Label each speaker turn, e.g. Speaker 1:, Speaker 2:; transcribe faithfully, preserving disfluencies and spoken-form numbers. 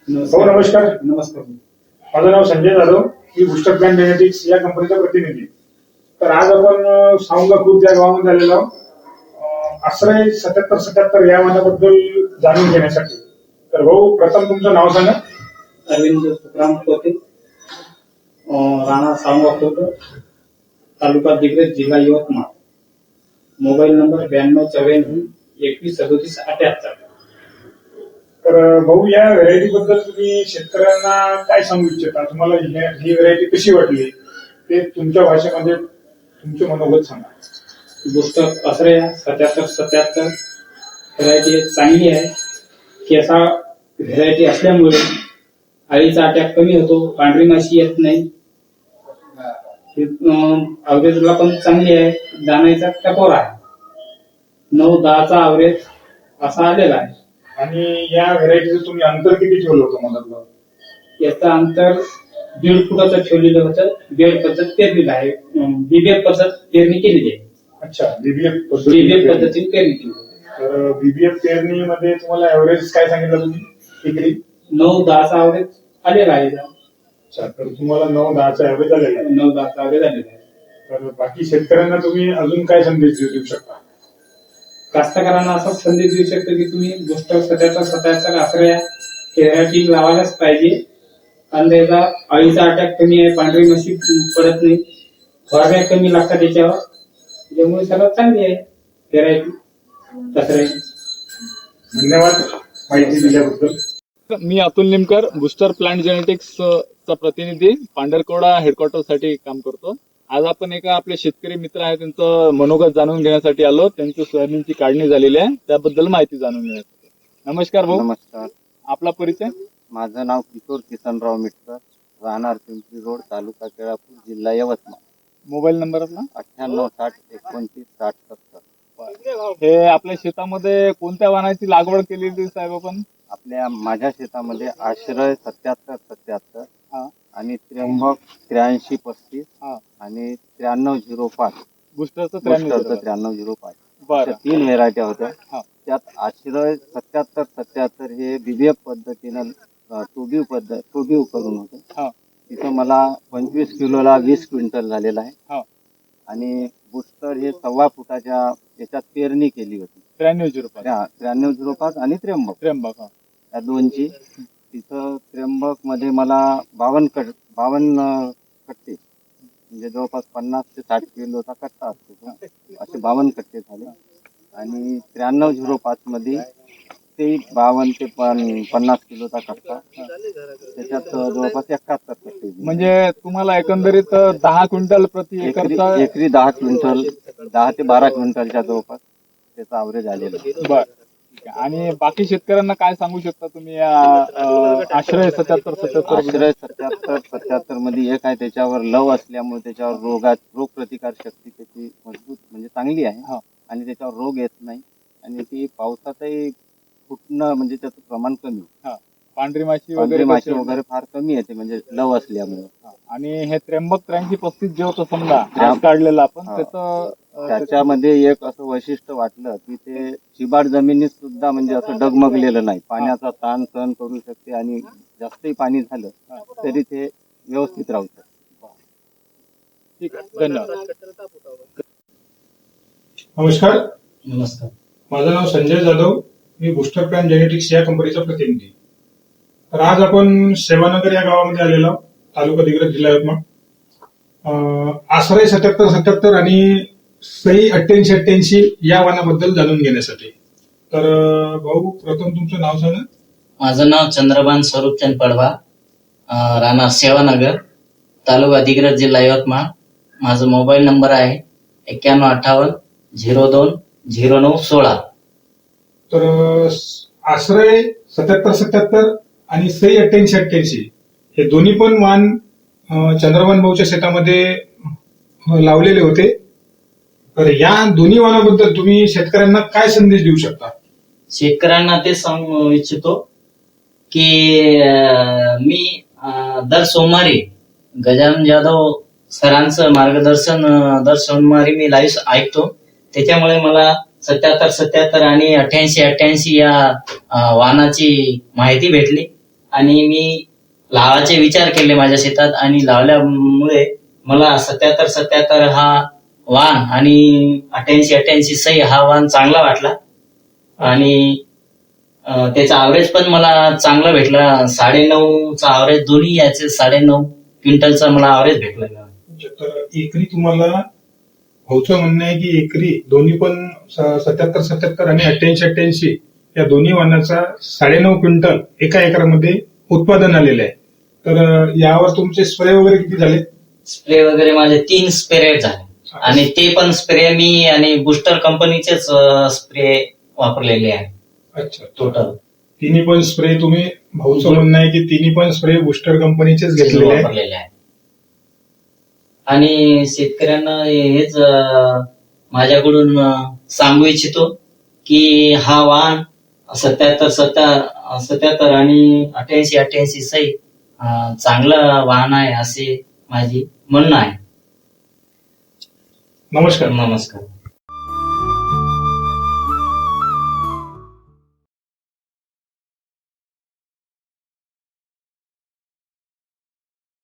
Speaker 1: हो नमस्कार. नमस्कार. माझं नाव संजय जाधव. मी बूस्टर प्लॅन जेनेटिक्स या कंपनीचा प्रतिनिधी. तर आज आपण सावंगा खुर्द या गावामध्ये आलेलो आहोत आश्रय सत्याहत्तर सत्याहत्तर या वाहनाबद्दल जाणून घेण्यासाठी. तर भाऊ प्रथम तुमचं नाव सांगा.
Speaker 2: अरविंद सुखराम कोते, राणा सावंगा खुर्द, तालुका दिग्रज, जिल्हा यवतमाळ. मोबाईल नंबर ब्याण्णव चौऱ्याण्णव एकवीस सदोतीस अठ्याहत्तर.
Speaker 1: तर भाऊ या व्हरायटी बद्दल तुम्ही शेतकऱ्यांना काय सांगू इच्छिता? तुम्हाला ही व्हरायटी कशी वाटली ते तुमच्या भाषेमध्ये तुमचे मनोगत सांगा.
Speaker 2: बूस्टर आश्रय सत्याहत्तर सत्याहत्तर व्हरायटी चांगली आहे. केसा व्हरायटी असल्यामुळे अळीचा अटॅक कमी होतो, पांढरी माशी येत नाही, अवरेजला पण चांगली आहे, दाण्याचा टपोर आहे, नऊ दहाचा अवरेज असा आलेला आहे.
Speaker 1: आणि या व्हरायटीचं तुम्ही अंतर किती ठेवलं होतं मधातलं?
Speaker 2: याचं अंतर दीड फुटाचं ठेवलेलं होतं. बेड पद्धत पेरलेलं आहे, बीबीएफ पद्धत पेरणी केलेली आहे.
Speaker 1: अच्छा, बीबीएफ
Speaker 2: बीबीएफ पद्धतीने पेरणी केली.
Speaker 1: तर बीबीएफ पेरणीमध्ये तुम्हाला एव्हरेज काय सांगितलं तुम्ही? एकरी
Speaker 2: नऊ दहाचा अवरेज आलेला आहे.
Speaker 1: अच्छा, तर तुम्हाला नऊ दहाचा एव्हरेज आलेला आहे.
Speaker 2: नऊ दहाचा अवरेज आलेला आहे.
Speaker 1: तर बाकी शेतकऱ्यांना तुम्ही अजून काय संदेश देऊ शकता?
Speaker 2: कास्तकारांना असा संदेश देऊ शकतो की तुम्ही बूस्टर सत्याहत्तर सत्याहत्तर आश्रय व्हरायटी लावायलाच पाहिजे. आणि त्याचा अळीचा अटॅक कमी आहे, पांढरी माशी पडत नाही, फवारण्या कमी लागतात त्याच्यावर, त्यामुळे सर्वात चांगली आहे व्हरायटी आश्रय.
Speaker 1: धन्यवाद माहिती दिल्याबद्दल.
Speaker 3: मी Atul Nimkar, booster plant genetics चा प्रतिनिधी, पांढरकवडा हेडक्वार्टर साठी काम करतो. आज आपण एका आपले शेतकरी मित्र आहेत त्यांचं मनोगत जाणून घेण्यासाठी आलो. त्यांची सोयाबीनची काढणी झालेली आहे, त्याबद्दल माहिती जाणून घेण्यासाठी. नमस्कार भाऊ.
Speaker 4: नमस्कार.
Speaker 3: आपला परिचय?
Speaker 4: माझं नाव किशोर किसनराव मिटकर, राहणार पिंपरी रोड, तालुका केळापूर, जिल्हा यवतमाळ.
Speaker 3: मोबाईल नंबर आपला?
Speaker 4: अठ्ठ्याण्णव साठ एकोणतीस साठ सत्तर.
Speaker 3: हे आपल्या शेतामध्ये कोणत्या वाहनाची लागवड केलेली साहेब आपण?
Speaker 4: आपल्या माझ्या शेतामध्ये आश्रय सत्याहत्तर सत्याहत्तर आणि त्र्यंबक त्र्याऐंशी पस्तीस आणि त्र्याण्णव झिरो पाच.
Speaker 3: बुस्टरचं
Speaker 4: बुस्टरचं त्र्याण्णव झिरो पाच.
Speaker 3: बरं.
Speaker 4: तीन व्हेरायटी होत्या. त्यात आश्रय सत्याहत्तर सत्याहत्तर हे बीबीएफ पद्धतीनं टोब्यू पद्धत टोब्यू करून होतं. तिथं मला पंचवीस किलोला वीस क्विंटल झालेला आहे. आणि बुस्टर हे सव्वा फुटाच्या याच्यात पेरणी केली होती.
Speaker 3: त्र्याण्णव झिरो पाच
Speaker 4: त्र्याण्णव झिरो पाच आणि त्र्यंबक
Speaker 3: त्र्यंबक
Speaker 4: या दोनची. तिथं त्र्यंबक मध्ये मला बावन्न कट बावन्न कट्टे म्हणजे जवळपास पन्नास ते साठ किलोचा कट्टा असतो, असे बावन्न कट्टे झाले. आणि त्र्याण्णव झिरो पाच मध्ये ते बावन्न ते पन्नास किलोचा कट्टा, त्याच्यात जवळपास एकाहत्तर कट्टे.
Speaker 3: म्हणजे तुम्हाला एकंदरीत दहा क्विंटल प्रति एकरचा
Speaker 4: एकरी दहा क्विंटल दहा ते बारा क्विंटलच्या जवळपास त्याचा अवरेज आलेला.
Speaker 3: बर. आणि बाकी शेतकऱ्यांना काय सांगू शकता तुम्ही आश्रय सत्याहत्तर सत्याहत्तर?
Speaker 4: आश्रय सत्याहत्तर सत्याहत्तर मध्ये एक आहे, त्याच्यावर लव असल्यामुळे त्याच्यावर रोगात रोग प्रतिकार शक्ती त्याची मजबूत म्हणजे चांगली आहे आणि त्याच्यावर रोग येत नाही. आणि ती पावसातही फुटणं म्हणजे त्याचं प्रमाण कमी,
Speaker 3: पांढरी माशी
Speaker 4: पांढरी माशी वगैरे फार कमी येते म्हणजे लव असल्यामुळे.
Speaker 3: आणि हे त्र्यंबक त्र्याऐंशी पस्तीस जे होतं समजा आज काढलेलं आपण, त्याचं
Speaker 4: त्याच्यामध्ये एक असं वैशिष्ट्य वाटलं की ते शिबाड जमिनीत सुद्धा म्हणजे असं डगमगलेलं नाही, पाण्याचा ताण सहन करू शकते आणि जास्तही पाणी झालं तरी ते व्यवस्थित राहू शकते.
Speaker 3: ठीक आहे, धन्यवाद.
Speaker 1: नमस्कार.
Speaker 2: नमस्कार.
Speaker 1: माझं नाव संजय जाधव. मी बूस्टर प्लॅन जेनेटिक्स या कंपनीचा प्रतिनिधी. तर आज आपण सेवानगर या गावामध्ये आलेलो आहोत, तालुका दिग्रज, जिल्हा यवतमाळ. आश्रय सत्याहत्तर सत्याहत्तर आणि सई अठ्ठ्याऐंशी अठ्ठ्याऐंशी या वाहनाबद्दल जाणून घेण्यासाठी. तर भाऊ प्रथम तुमचं नाव सांगा.
Speaker 5: माझं नाव चंद्रभान स्वरूपचंद पडवा, राहणार सेवानगर, तालुका दिग्रज, जिल्हा यवतमाळ. माझा मोबाईल नंबर आहे एक्क्याण्णव अठ्ठावन्न झिरो दोन झिरो नऊ सोळा.
Speaker 1: तर आश्रय सत्याहत्तर सत्याहत्तर आणि सई अठ्ठ्याऐंशी अठ्ठ्याऐंशी हे दोन्ही पण वाहन चंद्रभान भाऊच्या शेतामध्ये लावलेले होते. तर या दोन्ही वाहनाबद्दल तुम्ही शेतकऱ्यांना काय संदेश देऊ शकता?
Speaker 5: शेतकऱ्यांना ते सांगू इच्छितो की मी दर सोमवारी गजानन जाधव सरांचं मार्गदर्शन दर सोमवारी मी लाईव्ह ऐकतो. त्याच्यामुळे मला सत्याहत्तर सत्याहत्तर आणि अठ्ठ्याऐंशी अठ्ठ्याऐंशी या वाहनाची माहिती भेटली आणि मी लावायचे विचार केले माझ्या शेतात आणि लावल्यामुळे मला सत्याहत्तर सत्याहत्तर हा वाण आणि अठ्याऐंशी अठ्याऐंशी सई हा वाण चांगला वाटला आणि अं, त्याचा ऍव्हरेज पण मला चांगला भेटला. साडेनऊचा ऍव्हरेज दोन्ही याचे साडेनऊ क्विंटलचा मला ऍव्हरेज भेटला.
Speaker 1: तर एकरी तुम्हाला भाऊचं म्हणणं आहे की एकरी दोन्ही पण सत्याहत्तर सत्याहत्तर आणि अठ्ठ्याऐंशी अठ्ठ्याऐंशी या दोन्ही वाणाचा साडेनऊ क्विंटल एका एकरामध्ये उत्पादन आलेलं आहे. तर अं, यावर तुमचे स्प्रे वगैरे किती झाले?
Speaker 5: स्प्रे वगैरे माझे तीन स्प्रे झाले आणि ते पण स्प्रे मी आणि बुस्टर कंपनीचेच स्प्रे वापरलेले आहे.
Speaker 1: अच्छा,
Speaker 5: टोटल
Speaker 1: तिन्ही पण स्प्रे तुम्ही भाऊचं म्हणणं आहे की तिन्ही पण स्प्रे बुस्टर कंपनीचेच घेतलेले आहे.
Speaker 5: वापरलेले आहे आणि शेतकऱ्यांना हेच अं, माझ्याकडून अं, सांगू इच्छितो की हा वाण सत्याहत्तर सत्तर सत्याहत्तर आणि अठ्याऐंशी अठ्याऐंशी सई अं, चांगला वाहन आहे असे माझी म्हणणं आहे.
Speaker 1: नमस्कार.
Speaker 5: नमस्कार.